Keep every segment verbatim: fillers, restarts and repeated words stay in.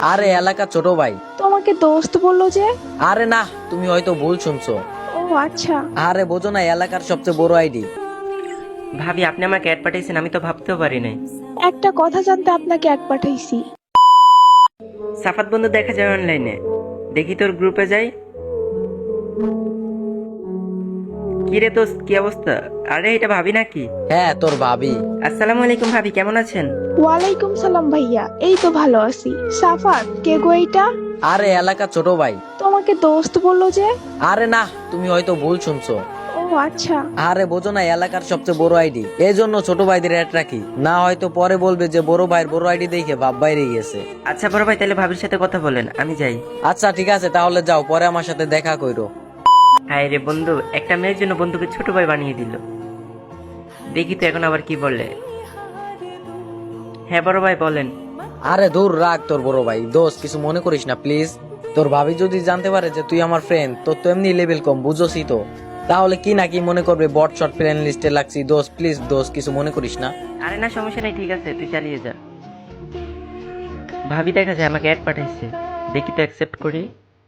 আরে এলাকা ছোট ভাই। তোমাকে দোস্ত বললো যে? আরে না, তুমি হয়তো ভুল শুনছো। ও আচ্ছা। আরে বোঝো না, এলাকার সবচেয়ে বড় আইডি। ভাবি আপনি আমাকে অ্যাড পাঠিয়েছেন, আমি তো ভাবতেও পারি নাই। একটা কথা জানতে আপনাকে এক পাঠাইছি। সাফাত বন্ধু দেখা যায় অনলাইনে, দেখি তোর গ্রুপে যাই। কিরে দোস্ত, কি অবস্থা? আরে এটা ভাবি নাকি? হ্যাঁ, তোর ভাবি। আসসালামু আলাইকুম ভাবি, কেমন আছেন? ওয়ালাইকুম সালাম ভাইয়া, এই তো ভালো আছি। সাফাত, কে গো এইটা? আরে এলাকা ছোট ভাই। তোমাকে দোস্ত বললো যে? আরে না, তুমি হয়তো ভুল শুনছো। ও আচ্ছা। আরে বোঝো না, এলাকার সবচেয়ে বড় আইডি, এই জন্য ছোট ভাইদের অ্যাড রাখি, না হয়তো পরে বলবে যে বড় ভাইয়ের বড় আইডি দেখে ভাব বাইরে গেছে। আচ্ছা বড় ভাই, তাহলে ভাবির সাথে কথা বলেন, আমি যাই। আচ্ছা ঠিক আছে, তাহলে যাও, পরে আমার সাথে দেখা কইরো। হায় রে বন্ধু, একটা মেয়ের জন্য বন্ধুকে ছোট ভাই বানিয়ে দিল। দেখি তো এখন আবার কি বলে। হ্যাঁ বড় ভাই বলেন। আরে দূর রাখ তোর বড় ভাই, দোস্ত কিছু মনে করিস না প্লিজ। তোর ভাবি যদি জানতে পারে যে তুই আমার ফ্রেন্ড, তোর তো এমনি লেভেল কম, বুঝোসই তো, তাহলে কি না কি মনে করবে, বট শট ফ্রেন্ড লিস্টে লাগছি। দোস্ত প্লিজ, দোস্ত কিছু মনে করিস না। আরে না, সমস্যা নেই, ঠিক আছে তুই চালিয়ে যা। ভাবি দেখা যায় আমাকে অ্যাড পাঠাইছে, দেখি তো অ্যাকসেপ্ট করি।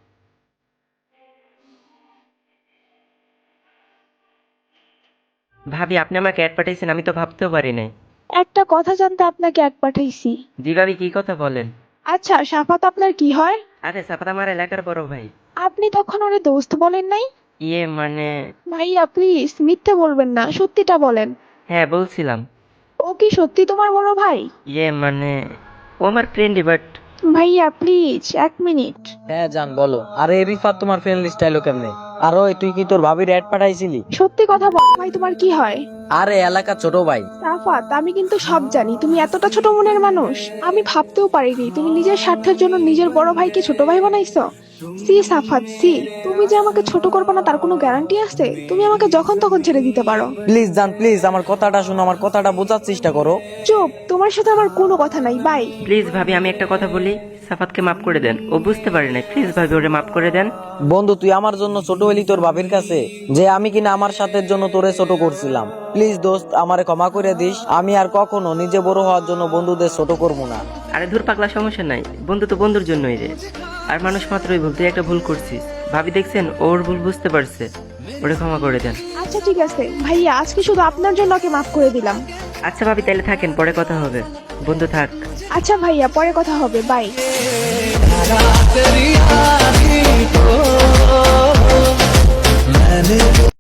ভাবি আপনি আমাকে অ্যাড পাঠাইছেন, আমি তো ভাবতেও পারি নাই। একটা কথা জানতে আপনাকে এক পাঠাইছি। জি ভাবি, কি কথা বলেন। আচ্ছা সাফাত আপনার কি হয়? আরে সাফাত আমার এলাকার বড় ভাই। আপনি তখন ওরে দোস্ত বলেন নাই? ইয়ে মানে, ভাইয়া প্লিজ মিথ্যে বলবেন না, সত্যিটা বলেন। হ্যাঁ বলছিলাম। ও কি সত্যি তোমার বড় ভাই? ইয়ে মানে, ও আমার ফ্রেন্ডই, বাট ভাইয়া প্লিজ এক মিনিট। হ্যাঁ জান বলো। আরে রিফাত তোমার ফ্রেন্ড লিস্ট আইলো কেমনে? আর ওই তুই কি তোর ভাবির অ্যাড পাঠাইছিলি? সত্যি কথা বল ভাই, তোমার কি হয়? আরে এলাকা ছোট ভাই। সাফাত, আমি কিন্তু সব জানি, তুমি এতটা ছোট মনের মানুষ আমি ভাবতেও পারিনি। তুমি নিজের স্বার্থের জন্য নিজের বড় ভাইকে ছোট ভাই বানাইছো। সি সাফাত সি, তুমি যে আমাকে ছোট করবে না তার কোনো গ্যারান্টি আছে? তুমি আমাকে যখন তখন ছেড়ে দিতে পারো। প্লিজ জান, প্লিজ আমার কথাটা শোনো, আমার কথাটা বোঝার চেষ্টা করো। চুপ, তোমার সাথে আমার কোনো কথা নাই, বাই। প্লিজ ভাবি আমি একটা কথা বলি, সাফাতকে মাফ করে দেন, ও বুঝতে পারে না, প্লিজ ভাবি ওরে মাফ করে দেন। বন্ধু তুই আমার জন্য ছোট হইলি তোর ভাবির কাছে, যে আমি কিনা আমার সাথের জন্য তোরে ছোট করছিলাম। প্লিজ দোস্ত আমারে ক্ষমা করে দিস, আমি আর কখনো নিজে বড় হওয়ার জন্য বন্ধুদের ছোট করবো না। আরে ধুর পাগলা, সমস্যা নাই, বন্ধু তো বন্ধুর জন্যই রে। আর মানুষ মাত্রই ভুল, তুই একটা ভুল করছিস। ভাবি দেখছেন, ওর ভুল বুঝতে পারছে, ওরে ক্ষমা করে দেন। আচ্ছা ঠিক আছে ভাইয়া, আজকে শুধু আপনার জন্য ওকে মাফ করে দিলাম। আচ্ছা ভাবি তাহলে থাকেন, পরে কথা হবে। বন্ধু থাক। আচ্ছা ভাইয়া, পরে কথা হবে, বাই।